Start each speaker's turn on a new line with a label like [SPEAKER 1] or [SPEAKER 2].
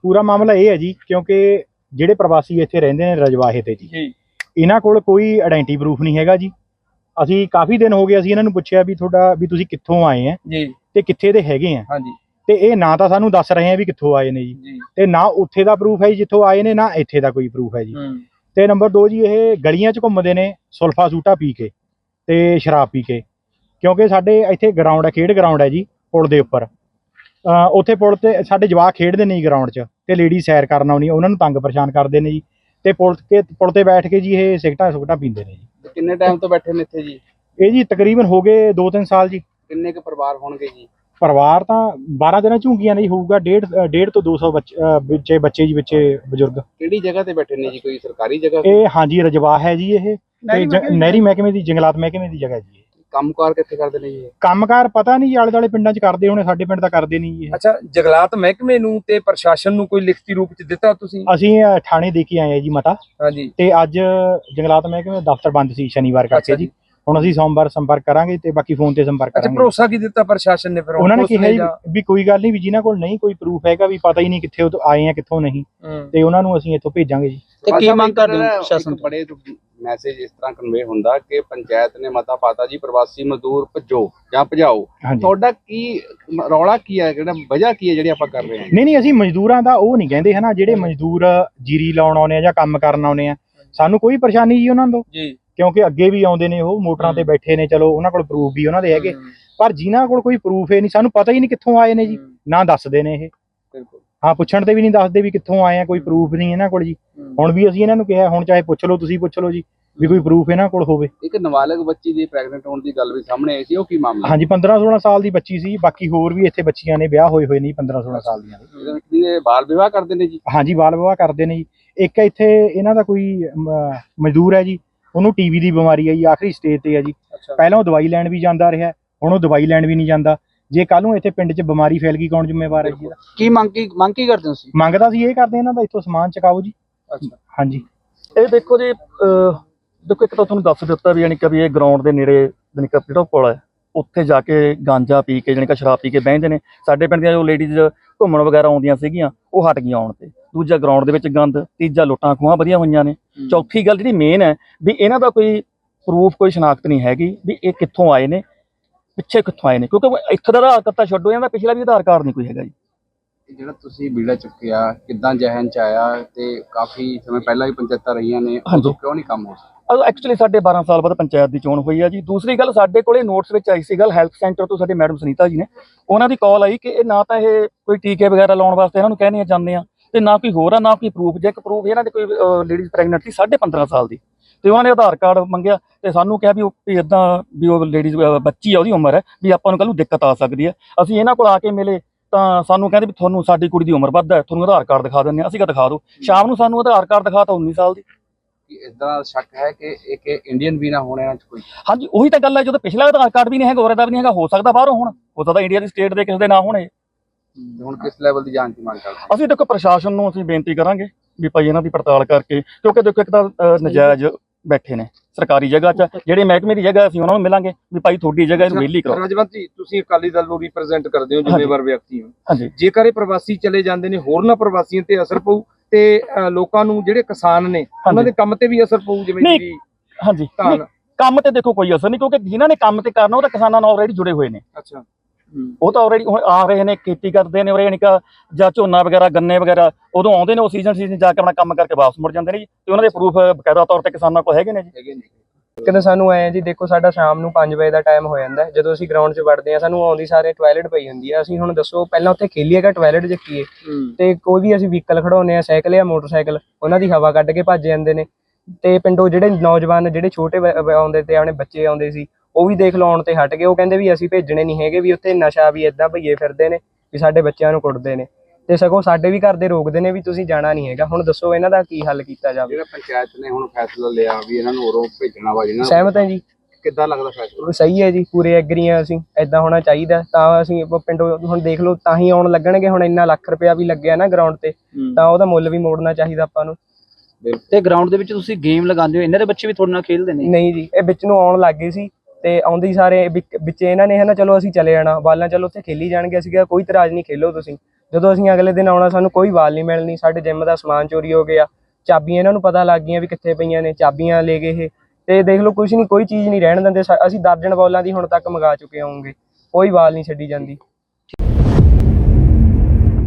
[SPEAKER 1] ਪੂਰਾ ਮਾਮਲਾ ਇਹ ਹੈ ਜੀ, ਕਿਉਂਕਿ ਜਿਹੜੇ ਪ੍ਰਵਾਸੀ ਇੱਥੇ ਰਹਿੰਦੇ ਨੇ ਰਜਵਾਹੇ ਤੇ ਜੀ, ਇਹਨਾਂ ਕੋਲ ਕੋਈ ਆਇਡੈਂਟੀ ਪ੍ਰੂਫ ਨਹੀਂ ਹੈਗਾ ਜੀ। ਅਸੀਂ ਕਾਫੀ ਦਿਨ ਹੋ ਗਏ, ਅਸੀਂ ਇਹਨਾਂ ਨੂੰ ਪੁੱਛਿਆ ਵੀ ਤੁਹਾਡਾ ਵੀ ਤੁਸੀਂ ਕਿੱਥੋਂ ਆਏ ਆ ਜੀ ਤੇ ਕਿੱਥੇ ਦੇ ਹੈਗੇ ਆ
[SPEAKER 2] ਹਾਂਜੀ,
[SPEAKER 1] ਤੇ ਇਹ ਨਾ ਤਾਂ ਸਾਨੂੰ ਦੱਸ ਰਹੇ ਆ ਵੀ ਕਿੱਥੋਂ ਆਏ ਨੇ ਜੀ, ਤੇ ਨਾ ਉੱਥੇ ਦਾ ਪ੍ਰੂਫ ਹੈ ਜੀ ਜਿੱਥੋਂ ਆਏ ਨੇ, ਨਾ ਇੱਥੇ ਦਾ ਕੋਈ ਪ੍ਰੂਫ ਹੈ ਜੀ। ਤੇ ਨੰਬਰ 2 ਜੀ, ਇਹ ਗਲੀਆਂ 'ਚ ਘੁੰਮਦੇ ਨੇ ਸੁਲਫਾ ਸੂਟਾ ਪੀ ਕੇ ਤੇ ਸ਼ਰਾਬ ਪੀ ਕੇ, ਕਿਉਂਕਿ ਸਾਡੇ ਇੱਥੇ ਗਰਾਊਂਡ ਹੈ, ਖੇਡ ਗਰਾਊਂਡ ਹੈ ਜੀ ਪੁਲ ਦੇ ਉੱਪਰ। ਉੱਥੇ ਪੁਲ ਤੇ ਸਾਡੇ ਜਵਾਕ ਖੇਡਦੇ ਨੇ ਜੀ ਗਰਾਊਂਡ 'ਚ, ਤੇ ਲੇਡੀ ਸੈਰ ਕਰਨ ਆਉਣੀ, ਉਹਨਾਂ ਨੂੰ ਤੰਗ ਪਰੇਸ਼ਾਨ ਕਰਦੇ ਨੇ ਜੀ। ਤੇ ਪੁਲ ਤੇ ਬੈਠ ਕੇ ਜੀ ਇਹ ਸਿਗਰਟਾਂ ਪੀਂਦੇ ਨੇ ਜੀ।
[SPEAKER 2] ਕਿੰਨੇ ਟਾਈਮ ਤੋਂ ਬੈਠੇ ਨੇ ਇੱਥੇ ਜੀ?
[SPEAKER 1] ਇਹ ਜੀ ਤਕਰੀਬਨ ਹੋ ਗਏ 2-3 ਸਾਲ ਜੀ।
[SPEAKER 2] ਕਿੰਨੇ ਕੁ ਪਰਿਵਾਰ ਹੋਣਗੇ ਜੀ?
[SPEAKER 1] ਪਰਿਵਾਰ ਤਾਂ 12 ਦਿਨਾਂ ਝੁੰਗੀਆਂ ਨਹੀਂ ਹੋਊਗਾ, 1.5 ਤੋਂ 200 ਬੱਚੇ ਜੀ, ਬੱਚੇ ਬਜ਼ੁਰਗ।
[SPEAKER 2] ਕਿਹੜੀ ਜਗ੍ਹਾ ਤੇ ਬੈਠੇ ਨੇ ਜੀ? ਕੋਈ ਸਰਕਾਰੀ ਜਗ੍ਹਾ?
[SPEAKER 1] ਇਹ ਹਾਂਜੀ ਰਜਵਾਹ ਹੈ ਜੀ, ਇਹ ਨਹਿਰੀ ਮਹਿਕਮੇ ਦੀ, ਜੰਗਲਾਤ ਮਹਿਕਮੇ ਦੀ ਜਗ੍ਹਾ ਜੀ।
[SPEAKER 2] ਕੰਮਕਾਰ ਕਿੱਥੇ ਕਰਦੇ ਨੇ ਜੀ?
[SPEAKER 1] ਕੰਮਕਾਰ ਪਤਾ ਨਹੀਂ ਜੀ, ਆਲੇ ਦੁਆਲੇ ਪਿੰਡਾਂ 'ਚ ਕਰਦੇ ਹੋਣੇ, ਸਾਡੇ ਪਿੰਡ ਤਾਂ ਕਰਦੇ ਨਹੀਂ ਜੀ।
[SPEAKER 2] ਅੱਛਾ, ਜੰਗਲਾਤ ਮਹਿਕਮੇ ਨੂੰ ਤੇ ਪ੍ਰਸ਼ਾਸਨ ਨੂੰ ਕੋਈ ਲਿਖਤੀ ਰੂਪ ਚ ਦਿੱਤਾ ਤੁਸੀਂ?
[SPEAKER 1] ਅਸੀਂ ਥਾਣੇ ਦੇ ਕੇ ਆਏ ਆ ਜੀ ਮਤਾ।
[SPEAKER 2] ਹਾਂਜੀ।
[SPEAKER 1] ਤੇ ਅੱਜ ਜੰਗਲਾਤ ਮਹਿਕਮੇ ਦਾ ਦਫ਼ਤਰ ਬੰਦ ਸੀ ਸ਼ਨੀਵਾਰ ਕਰਕੇ ਜੀ। ਹੁਣ ਅਸੀਂ ਸੋਮਵਾਰ ਸੰਪਰਕ ਕਰਾਂਗੇ ਤੇ ਬਾਕੀ ਫੋਨ ਤੇ ਸੰਪਰਕ ਕਰਾਂਗੇ।
[SPEAKER 2] ਅੱਛਾ, ਭਰੋਸਾ ਕੀ ਦਿੱਤਾ ਪ੍ਰਸ਼ਾਸਨ ਨੇ ਫਿਰ?
[SPEAKER 1] ਉਹਨਾਂ ਨੇ ਕਿਹਾ ਵੀ ਕੋਈ ਗੱਲ ਨਹੀਂ, ਵੀ ਜਿਨ੍ਹਾਂ ਕੋਲ ਨਹੀਂ ਕੋਈ ਪ੍ਰੂਫ ਹੈਗਾ, ਵੀ ਪਤਾ ਹੀ ਨਹੀਂ ਕਿੱਥੇ ਆਏ ਆ ਕਿੱਥੋਂ ਨਹੀਂ, ਤੇ ਉਹਨਾਂ ਨੂੰ ਅਸੀਂ ਇੱਥੋਂ ਭੇਜਾਂਗੇ ਜੀ।
[SPEAKER 2] ਤੇ ਕੀ ਮੰਗ ਕਰਦੇ ਹੋ ਪ੍ਰਸ਼ਾਸਨ ਤੋਂ? ਬੜੇ ਮੈਸੇਜ ਇਸ ਤਰ੍ਹਾਂ ਕਨਵੇ ਹੁੰਦਾ ਕਿ ਪੰਚਾਇਤ ਨੇ ਮਤਾ ਪਾਤਾ ਜੀ ਪ੍ਰਵਾਸੀ ਮਜ਼ਦੂਰ ਭਜੋ ਜਾਂ ਭਜਾਓ, ਤੁਹਾਡਾ ਕੀ ਰੌਲਾ ਕੀ ਹੈ, ਕਿਹੜਾ ਵਜ੍ਹਾ ਕੀ ਹੈ ਜਿਹੜੀ ਆਪਾਂ ਕਰ ਰਹੇ ਹਾਂ? ਨਹੀਂ
[SPEAKER 1] ਅਸੀਂ ਮਜ਼ਦੂਰਾਂ ਦਾ ਉਹ ਨਹੀਂ ਕਹਿੰਦੇ ਹਨਾ, ਜਿਹੜੇ ਮਜ਼ਦੂਰ ਜੀਰੀ ਲਾਉਣ ਆਉਣੇ ਆ ਜਾਂ ਕੰਮ ਕਰਨ ਆਉਣੇ ਆ, ਸਾਨੂੰ ਕੋਈ ਪਰੇਸ਼ਾਨੀ ਜੀ ਉਹਨਾਂ ਤੋਂ ਜੀ, ਕਿਉਂਕਿ ਅੱਗੇ ਵੀ ਆਉਂਦੇ ਨੇ, ਉਹ ਮੋਟਰਾਂ ਤੇ ਬੈਠੇ ਨੇ, ਚਲੋ ਉਹਨਾਂ ਕੋਲ ਪ੍ਰੂਫ ਵੀ ਉਹਨਾਂ ਦੇ ਹੈਗੇ। ਪਰ ਜਿਨ੍ਹਾਂ ਕੋਲ ਕੋਈ ਪ੍ਰੂਫ ਹੈ ਨਹੀਂ, ਸਾਨੂੰ ਪਤਾ ਹੀ ਨਹੀਂ ਕਿੱਥੋਂ ਆਏ ਨੇ ਜੀ, ਨਾ ਦੱਸਦੇ ਨੇ ਇਹ। ਹਾਂ, ਪੁੱਛਣ ਤੇ ਵੀ ਨਹੀਂ ਦੱਸਦੇ ਵੀ ਕਿੱਥੋਂ ਆਏ ਆ, ਕੋਈ ਪ੍ਰੂਫ ਨਹੀਂ ਇਹਨਾਂ ਕੋਲ ਜੀ। ਹੁਣ ਵੀ ਅਸੀਂ ਇਹਨਾਂ ਨੂੰ ਕਿਹਾ, ਹੁਣ ਚਾਹੇ ਪੁੱਛ ਲਓ, ਤੁਸੀਂ ਪੁੱਛ ਲਓ ਜੀ, ਵੀ ਕੋਈ ਪ੍ਰੂਫ ਇਹਨਾਂ ਕੋਲ ਹੋਵੇ। ਇੱਕ ਨਾਬਾਲਗ ਬੱਚੀ ਦੀ ਪ੍ਰੈਗਨੈਂਟ ਹੋਣ ਦੀ ਗੱਲ ਵੀ ਸਾਹਮਣੇ ਆਈ ਸੀ, ਉਹ ਕੀ ਮਾਮਲਾ? ਹਾਂਜੀ, 15-16 ਸਾਲ ਦੀ ਬੱਚੀ ਸੀ। ਬਾਕੀ ਹੋਰ ਵੀ ਇੱਥੇ ਬੱਚੀਆਂ ਨੇ, ਵਿਆਹ ਹੋਏ ਨਹੀਂ 15-16 ਸਾਲ ਦੀਆਂ। ਇਹਦੇ ਵਿੱਚ ਇਹ ਬਾਲ ਵਿਵਾਹ ਕਰਦੇ ਨੇ ਜੀ? ਹਾਂਜੀ, ਬਾਲ ਵਿਵਾਹ ਕਰਦੇ ਨੇ ਜੀ। ਇੱਕ ਇੱਥੇ ਇਹਨਾਂ ਦਾ ਕੋਈ ਮਜ਼ਦੂਰ ਹੈ ਜੀ, ਉਹਨੂੰ ਟੀਵੀ ਦੀ ਬਿਮਾਰੀ ਹੈ ਜੀ, ਆਖਰੀ ਸਟੇਜ ਤੇ ਹੈ ਜੀ। ਪਹਿਲਾਂ ਉਹ ਦਵਾਈ ਲੈਣ ਵੀ ਜਾਂਦਾ ਰਿਹਾ, ਹੁਣ ਉਹ ਦਵਾਈ ਲੈਣ ਵੀ ਨਹੀਂ ਜਾਂਦਾ। ਜੇ ਕੱਲ ਨੂੰ ਇੱਥੇ ਪਿੰਡ 'ਚ ਬਿਮਾਰੀ ਫੈਲ ਗਈ, ਕੌਣ ਜ਼ਿੰਮੇਵਾਰ ਹੈ ਜੀ?
[SPEAKER 2] ਕੀ ਮੰਗ ਕੀ ਕਰਦੇ ਹੋ ਤੁਸੀਂ?
[SPEAKER 1] ਮੰਗਦਾ ਸੀ ਇਹ ਕਰਦੇ ਇਹਨਾਂ ਦਾ, ਇੱਥੋਂ ਸਮਾਨ ਚਕਾਓ ਜੀ। ਅੱਛਾ, ਹਾਂਜੀ।
[SPEAKER 3] ਇਹ ਦੇਖੋ ਜੀ, ਦੇਖੋ ਇੱਕ ਤਾਂ ਤੁਹਾਨੂੰ ਦੱਸ ਦਿੱਤਾ ਵੀ, ਯਾਨੀ ਕਿ ਇਹ ਗਰਾਊਂਡ ਦੇ ਨੇੜੇ ਯਾਨੀ ਕਿ ਜਿਹੜਾ ਪੁਲ ਹੈ, ਉੱਥੇ ਜਾ ਕੇ ਗਾਂਜਾ ਪੀ ਕੇ, ਯਾਨੀ ਕਿ ਸ਼ਰਾਬ ਪੀ ਕੇ ਬਹਿੰਦੇ ਨੇ। ਸਾਡੇ ਪਿੰਡ ਦੀਆਂ ਜੋ ਲੇਡੀਜ਼ ਘੁੰਮਣ ਵਗੈਰਾ ਆਉਂਦੀਆਂ ਸੀਗੀਆਂ, ਉਹ ਹਟ ਗਈਆਂ ਆਉਣ ਤੇ। ਦੂਜਾ, ਗਰਾਊਂਡ ਦੇ ਵਿੱਚ ਗੰਦ। ਤੀਜਾ, ਲੁੱਟਾਂ ਖੋਹਾਂ ਵਧੀਆਂ ਹੋਈਆਂ ਨੇ। ਚੌਥੀ ਗੱਲ ਜਿਹੜੀ ਮੇਨ ਹੈ, ਵੀ ਇਹਨਾਂ ਦਾ ਕੋਈ ਪ੍ਰੂਫ, ਕੋਈ ਸ਼ਨਾਖਤ ਨਹੀਂ ਹੈਗੀ ਵੀ ਇਹ ਕਿੱਥੋਂ ਆਏ ਨੇ, ਪਿੱਛੇ ਕਿੱਥੋਂ ਆਏ ਨੇ, ਕਿਉਂਕਿ ਇੱਥੇ ਦਾ ਆਧਾਰ ਕਾਰਡ ਤਾਂ ਛੱਡੋ, ਇਹਨਾਂ ਦਾ ਪਿਛਲਾ ਵੀ ਆਧਾਰ ਕਾਰਡ ਨਹੀਂ ਕੋਈ ਹੈਗਾ ਜੀ।
[SPEAKER 2] ਜਿਹੜਾ ਤੁਸੀਂ ਬੀੜਾ ਚੁੱਕਿਆ, ਕਿੱਦਾਂ ਜ਼ਹਿਨ 'ਚ ਆਇਆ? ਤੇ ਕਾਫੀ ਸਮੇਂ ਪਹਿਲਾਂ ਵੀ ਪੰਚਾਇਤਾਂ ਰਹੀਆਂ ਨੇ, ਉਦੋਂ ਕਿਉਂ ਨਹੀਂ ਕੰਮ ਹੋ ਸਕਦਾ?
[SPEAKER 3] ਐਕਚੁਅਲੀ ਸਾਡੇ 12 ਸਾਲ ਬਾਅਦ ਪੰਚਾਇਤ ਦੀ ਚੋਣ ਹੋਈ ਆ ਜੀ। ਦੂਸਰੀ ਗੱਲ, ਸਾਡੇ ਕੋਲੇ ਨੋਟਸ ਵਿੱਚ ਆਈ ਸੀ ਗੱਲ, ਹੈਲਥ ਸੈਂਟਰ ਤੋਂ ਸਾਡੇ ਮੈਡਮ ਸੁਨੀਤਾ ਜੀ ਨੇ, ਉਹਨਾਂ ਦੀ ਕਾਲ ਆਈ ਕਿ ਇਹ ਨਾ ਤਾਂ ਇਹ ਕੋਈ ਟੀਕੇ ਵਗੈਰਾ ਲਾਉਣ ਵਾਸਤੇ ਇਹਨਾਂ ਨੂੰ ਕਹਿੰਦੇ ਜਾਂਦੇ ਆ, ਤੇ ਨਾ ਕੋਈ ਹੋਰ ਆ, ਨਾ ਕੋਈ ਪ੍ਰੂਫ। ਜੇ ਇੱਕ ਪ੍ਰੂਫ ਇਹਨਾਂ ਦੇ ਕੋਈ ਲੇਡੀਜ਼ ਪ੍ਰੈਗਨੈਂਟ ਸੀ 15.5 ਸਾਲ ਦੀ, ਤੇ ਉਹਨਾਂ ਨੇ ਆਧਾਰ ਕਾਰਡ ਮੰਗਿਆ, ਤੇ ਸਾਨੂੰ ਕਿਹਾ ਵੀ ਇੱਦਾਂ ਵੀ ਉਹ ਲੇਡੀਜ਼ ਬੱਚੀ ਆ, ਉਹਦੀ ਉਮਰ ਹੈ, ਵੀ ਆਪਾਂ ਨੂੰ ਕੱਲ੍ਹ ਨੂੰ ਦਿੱਕਤ ਆ ਸਕਦੀ ਹੈ। ਅਸੀਂ ਇਹਨਾਂ ਕੋਲ ਆ ਕੇ ਮਿਲੇ ਤਾਂ ਸਾਨੂੰ ਕਹਿੰਦੇ ਵੀ ਤੁਹਾਨੂੰ ਸਾਡੀ ਕੁੜੀ ਦੀ ਉਮਰ ਵੱਧ ਹੈ, ਤੁਹਾਨੂੰ ਆਧਾਰ ਕਾਰਡ ਦਿਖਾ ਦਿੰਦੇ ਹਾਂ। ਅਸੀਂ ਕਿਹਾ ਦਿਖਾ ਦਿਓ। ਸ਼ਾਮ ਨੂੰ ਸਾਨੂੰ ਆਧਾਰ ਕਾਰਡ ਦਿਖਾਤਾ 19 ਸਾਲ ਦੀ।
[SPEAKER 2] ਇਸ ਤਰ੍ਹਾਂ ਸ਼ੱਕ ਹੈ ਕਿ ਇੱਕ ਇੰਡੀਅਨ ਵੀ ਨਾ ਹੋਣ ਇਹਨਾਂ 'ਚ ਕੋਈ?
[SPEAKER 3] ਹਾਂਜੀ, ਉਹੀ ਤਾਂ ਗੱਲ ਹੈ, ਜਦੋਂ ਪਿਛਲਾ ਆਧਾਰ ਕਾਰਡ ਵੀ ਨਹੀਂ ਹੈਗਾ, ਔਰਤ ਦਾ ਵੀ ਨਹੀਂ ਹੈਗਾ, ਹੋ ਸਕਦਾ ਬਾਹਰੋਂ ਹੋਣ, ਹੋ ਸਕਦਾ ਇੰਡੀਆ ਦੀ ਸਟੇਟ ਦੇ ਕਿਸੇ ਦੇ ਨਾ ਹੋਣੇ।
[SPEAKER 2] ਹੁਣ ਕਿਸ ਲੈਵਲ ਦੀ ਜਾਂਚ ਦੀ ਮੰਗ ਕਰਦੇ?
[SPEAKER 3] ਅਸੀਂ ਦੇਖੋ ਪ੍ਰਸ਼ਾਸਨ ਨੂੰ ਅਸੀਂ ਬੇਨਤੀ ਕਰਾਂਗੇ ਵੀ ਭਾਈ ਇਹਨਾਂ ਦੀ ਪੜਤਾਲ ਕਰਕੇ, ਕਿਉਂਕਿ ਦੇਖੋ ਇੱਕ ਤਾਂ ਨਜਾਇਜ਼ ਬੈਠੇ ਨੇ ਸਰਕਾਰੀ ਜਗ੍ਹਾ 'ਚ, ਜਿਹੜੇ ਮਹਿਕਮੇ ਦੀ ਜਗ੍ਹਾ ਅਸੀਂ ਉਹਨਾਂ ਨੂੰ ਮਿਲਾਂਗੇ ਵੀ ਭਾਈ ਤੁਹਾਡੀ ਜਗ੍ਹਾ ਇਹਨੂੰ ਵਿਹਲੀ ਕਰੋ।
[SPEAKER 2] ਰਾਜਵੰਤ ਜੀ, ਤੁਸੀਂ ਅਕਾਲੀ ਦਲ ਨੂੰ ਰਿਪਰੈਜ਼ੈਂਟ ਕਰਦੇ ਹੋ, ਜ਼ਿੰਮੇਵਾਰ ਵਿਅਕਤੀ ਹੋ।
[SPEAKER 3] ਹਾਂਜੀ।
[SPEAKER 2] ਜੇਕਰ ਇਹ ਪ੍ਰਵਾਸੀ ਚਲੇ ਜਾਂਦੇ ਨੇ, ਹੋਰਨਾਂ ਪ੍ਰਵਾਸੀਆਂ ਤੇ ਅਸਰ ਪਊ, ਤੇ ਲੋਕਾਂ ਨੂੰ ਜਿਹੜੇ ਕਿਸਾਨ ਨੇ ਉਹਨਾਂ ਦੇ ਕੰਮ ਤੇ ਵੀ ਅਸਰ ਪਊ? ਜਿਵੇਂ
[SPEAKER 3] ਜੀ, ਹਾਂਜੀ, ਕੰਮ ਤੇ ਦੇਖੋ ਕੋਈ ਅਸਰ ਨਹੀਂ, ਕਿਉਂਕਿ ਜਿਨ੍ਹਾਂ ਨੇ ਕੰਮ ਤੇ ਕਰਨਾ ਉਹ ਤਾਂ ਕਿਸਾਨਾਂ ਨਾਲ ਆਲਰੇਡੀ ਜੁੜੇ ਹੋਏ ਨੇ। ਅੱਛਾ, ਉਹ ਤਾਂ ਆਲਰੇਡੀ ਹੁਣ ਆ ਰਹੇ ਨੇ, ਖੇਤੀ ਕਰਦੇ ਨੇ ਉਰੇ, ਯਾਨੀ ਕਿ ਜਾਂ ਝੋਨਾ ਵਗੈਰਾ, ਗੰਨੇ ਵਗੈਰਾ, ਉਦੋਂ ਆਉਂਦੇ ਨੇ, ਉਹ ਸੀਜ਼ਨ ਜਾ ਕੇ ਆਪਣਾ ਕੰਮ ਕਰਕੇ ਵਾਪਸ ਮੁੜ ਜਾਂਦੇ ਨੇ ਜੀ। ਤੇ ਉਹਨਾਂ ਦੇ ਪ੍ਰੂਫ ਬਕਾਇਦਾ ਤੌਰ ਤੇ ਕਿਸਾਨਾਂ ਕੋਲ ਹੈਗੇ ਨੇ ਜੀ।
[SPEAKER 4] ਕਹਿੰਦੇ ਸਾਨੂੰ ਆਏ ਜੀ, ਦੇਖੋ ਸਾਡਾ ਸ਼ਾਮ ਨੂੰ 5 ਵਜੇ ਦਾ ਟਾਈਮ ਹੋ ਜਾਂਦਾ, ਜਦੋਂ ਅਸੀਂ ਗਰਾਊਂਡ 'ਚ ਵੜਦੇ ਆ, ਸਾਨੂੰ ਆਉਂਦੀ ਸਾਰੇ ਟਾਇਲਟ ਪਈ ਹੁੰਦੀ ਆ। ਅਸੀਂ ਹੁਣ ਦੱਸੋ, ਪਹਿਲਾਂ ਉੱਥੇ ਖੇਲੀਏਗਾ, ਟਾਇਲਟ 'ਚ ਕੀਏ, ਤੇ ਕੋਈ ਵੀ ਅਸੀਂ ਵਹੀਕਲ ਖੜਾਉਂਦੇ ਆ, ਸਾਈਕਲ ਜਾਂ ਮੋਟਰਸਾਈਕਲ, ਉਹਨਾਂ ਦੀ ਹਵਾ ਕੱਢ ਕੇ ਭੱਜ ਜਾਂਦੇ ਨੇ। ਤੇ ਪਿੰਡੋਂ ਜਿਹੜੇ ਨੌਜਵਾਨ, ਜਿਹੜੇ ਛੋਟੇ ਆਉਂਦੇ ਤੇ ਆਪਣੇ ਬੱਚੇ ਆਉਂਦੇ ਸੀ, ਉਹ ਵੀ ਦੇਖ ਲਓ ਆਉਣ ਤੇ ਹਟ ਗਏ। ਉਹ ਕਹਿੰਦੇ ਵੀ ਅਸੀਂ ਭੇਜਣੇ ਨਹੀਂ ਹੈਗੇ, ਵੀ ਉੱਥੇ ਨਸ਼ਾ ਵੀ ਏਦਾਂ ਭਈਏ ਫਿਰਦੇ ਨੇ, ਵੀ ਸਾਡੇ ਬੱਚਿਆਂ ਨੂੰ ਕੁੱਟਦੇ ਨੇ, ਤੇ ਸਗੋਂ ਸਾਡੇ ਵੀ ਘਰ ਦੇ ਰੋਕਦੇ ਨੇ ਵੀ ਤੁਸੀਂ ਜਾਣਾ ਨਹੀਂ ਹੈਗਾ। ਹੁਣ ਦੱਸੋ ਇਹਨਾਂ ਦਾ ਕੀ ਹੱਲ ਕੀਤਾ ਜਾਵੇ? ਜਿਹੜਾ
[SPEAKER 2] ਪੰਚਾਇਤ ਨੇ ਹੁਣ ਫੈਸਲਾ ਲਿਆ ਵੀ ਇਹਨਾਂ ਨੂੰ ਉਰੋਂ ਭੇਜਣਾ ਵਾ, ਜਿਹਨਾਂ
[SPEAKER 4] ਸਹਿਮਤ ਹੈ ਜੀ?
[SPEAKER 2] ਕਿੱਦਾਂ ਲੱਗਦਾ ਫੈਸਲਾ?
[SPEAKER 4] ਸਹੀ ਹੈ ਜੀ, ਪੂਰੇ ਐਗਰੀ ਆ ਅਸੀਂ, ਏਦਾਂ ਹੋਣਾ ਚਾਹੀਦਾ। ਤਾਂ ਅਸੀਂ ਪਿੰਡੋਂ ਹੁਣ ਦੇਖ ਲਓ, ਤਾਂ ਹੀ ਆਉਣ ਲੱਗਣਗੇ। ਹੁਣ ਇੰਨਾ ਲੱਖ ਰੁਪਇਆ ਵੀ ਲੱਗਿਆ ਨਾ ਗਰਾਊਂਡ ਤੇ, ਤਾਂ ਉਹਦਾ ਮੁੱਲ ਵੀ ਮੋੜਨਾ ਚਾਹੀਦਾ ਆਪਾਂ ਨੂੰ।
[SPEAKER 5] ਤੇ ਗਰਾਊਂਡ ਦੇ ਵਿੱਚ ਤੁਸੀਂ ਗੇਮ ਲਗਾਉਂਦੇ ਹੋ, ਇਹਨਾਂ ਦੇ ਬੱਚੇ ਵੀ ਤੁਹਾਡੇ ਨਾਲ ਖੇਡਦੇ ਨੇ?
[SPEAKER 4] ਨਹੀਂ ਜੀ, ਇਹ ਵਿੱਚ ਨੂੰ ਆਉਣ ਲੱਗ ਗਏ ਸੀ, ਤੇ ਆਉਂਦੇ ਹੀ ਸਾਰੇ ਵਿੱਚ ਇਹਨਾਂ ਨੇ, ਹੈ ਨਾ, ਚਲੋ ਅਸੀਂ ਚਲੇ ਜਾਣਾ ਬਾਲਾਂ, ਚਲੋ ਉੱਥੇ ਖੇਲੀ ਜਾਣਗੇ। ਅਸੀਂ ਕਿਹਾ ਕੋਈ ਇਤਰਾਜ਼ ਨਹੀਂ, ਖੇਲੋ ਤੁਸੀਂ। ਜਦੋਂ ਅਸੀਂ ਅਗਲੇ ਦਿਨ ਆਉਣਾ ਸਾਨੂੰ ਕੋਈ ਬਾਲ ਨਹੀਂ ਮਿਲਣੀ, ਸਾਡੇ ਜਿਮ ਦਾ ਸਮਾਨ ਚੋਰੀ ਹੋ ਗਿਆ, ਚਾਬੀਆਂ ਇਹਨਾਂ ਨੂੰ ਪਤਾ ਲੱਗ ਗਈਆਂ ਵੀ ਕਿੱਥੇ ਪਈਆਂ ਨੇ, ਚਾਬੀਆਂ ਲੈ ਗਏ ਇਹ। ਤੇ ਦੇਖ ਲਓ ਕੁਝ ਨਹੀਂ, ਕੋਈ ਚੀਜ਼ ਨਹੀਂ ਰਹਿਣ ਦਿੰਦੇ। ਅਸੀਂ ਦਰਜਨ ਬਾਲਾਂ ਦੀ ਹੁਣ ਤੱਕ ਮੰਗਾ ਚੁੱਕੇ ਹੋਵਾਂਗੇ, ਕੋਈ ਬਾਲ ਨਹੀਂ ਛੱਡੀ ਜਾਂਦੀ।